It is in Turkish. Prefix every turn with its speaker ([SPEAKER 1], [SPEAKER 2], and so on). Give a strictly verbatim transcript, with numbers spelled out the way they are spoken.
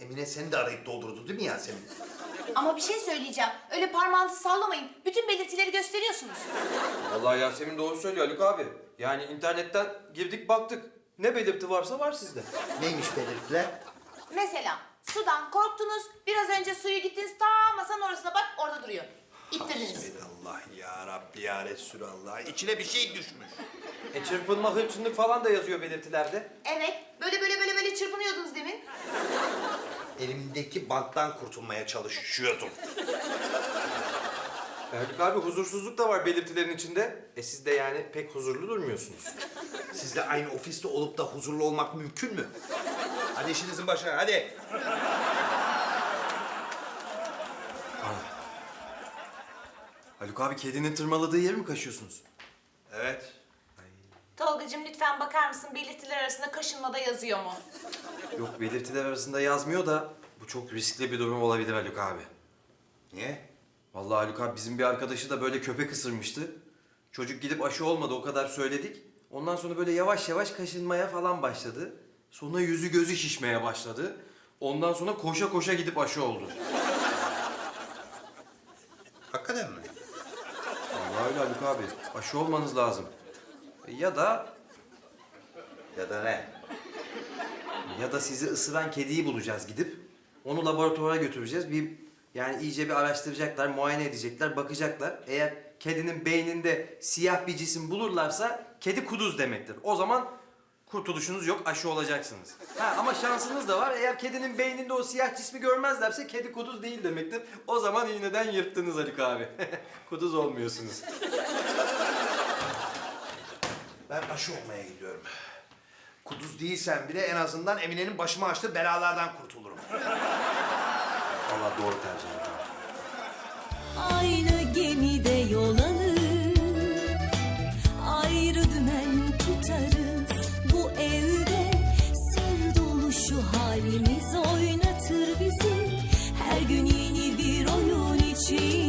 [SPEAKER 1] Emine seni de arayıp doldurdu değil mi Yasemin?
[SPEAKER 2] Ama bir şey söyleyeceğim. Öyle parmağınızı sallamayın. Bütün belirtileri gösteriyorsunuz.
[SPEAKER 3] Vallahi Yasemin doğru söylüyor Haluk abi. Yani internetten girdik baktık. Ne belirti varsa var sizde.
[SPEAKER 1] Neymiş belirtiler?
[SPEAKER 2] Mesela sudan korktunuz. Biraz önce suyu gittiniz ta masanın orasına bak orada duruyor. İttirdiniz.
[SPEAKER 1] Allah ya Rabbi ya Resulallah. İçine bir şey düşmüş.
[SPEAKER 3] E çırpınma, hırçınlık falan da yazıyor belirtilerde.
[SPEAKER 2] Evet. Böyle böyle böyle böyle çırpınıyordunuz demin.
[SPEAKER 1] Elimdeki banttan kurtulmaya çalışıyordum.
[SPEAKER 3] E Haluk abi huzursuzluk da var belirtilerin içinde. E siz de yani pek huzurlu durmuyorsunuz.
[SPEAKER 1] Sizle aynı ofiste olup da huzurlu olmak mümkün mü? Hadi işinizin başına, hadi.
[SPEAKER 3] Haluk abi kedinin tırmaladığı yeri mi kaşıyorsunuz?
[SPEAKER 1] Evet.
[SPEAKER 2] Tolgacığım lütfen bakar mısın belirtiler arasında kaşınmada yazıyor mu?
[SPEAKER 3] Yok belirtiler arasında yazmıyor da bu çok riskli bir durum olabilir Haluk abi.
[SPEAKER 1] Niye?
[SPEAKER 3] Vallahi Haluk abi bizim bir arkadaşı da böyle köpek ısırmıştı. Çocuk gidip aşı olmadı o kadar söyledik. Ondan sonra böyle yavaş yavaş kaşınmaya falan başladı. Sonra yüzü gözü şişmeye başladı. Ondan sonra koşa koşa gidip aşı oldu.
[SPEAKER 1] Hakikaten mi?
[SPEAKER 3] Vallahi öyle Haluk abi. Aşı olmanız lazım. Ya da
[SPEAKER 1] Ya da ne?
[SPEAKER 3] ya da sizi ısıran kediyi bulacağız gidip. Onu laboratuvara götüreceğiz. Bir yani iyice bir araştıracaklar, muayene edecekler, bakacaklar. Eğer kedinin beyninde siyah bir cisim bulurlarsa kedi kuduz demektir. O zaman kurtuluşunuz yok, aşı olacaksınız. Ha, ama şansınız da var. Eğer kedinin beyninde o siyah cismi görmezlerse kedi kuduz değil demektir. O zaman iğneden yırttınız Haluk abi. Kuduz olmuyorsunuz.
[SPEAKER 1] Ben aşı olmaya gidiyorum. Kuduz değilsem bile en azından Emine'nin başıma açtığı belalardan kurtulurum.
[SPEAKER 3] Vallahi doğru tercih Haluk abi.
[SPEAKER 4] Aynı gemide yol alır, ayrı dümen tutarız. Bu evde sır dolu şu halimiz oynatır bizi. Her gün yeni bir oyun için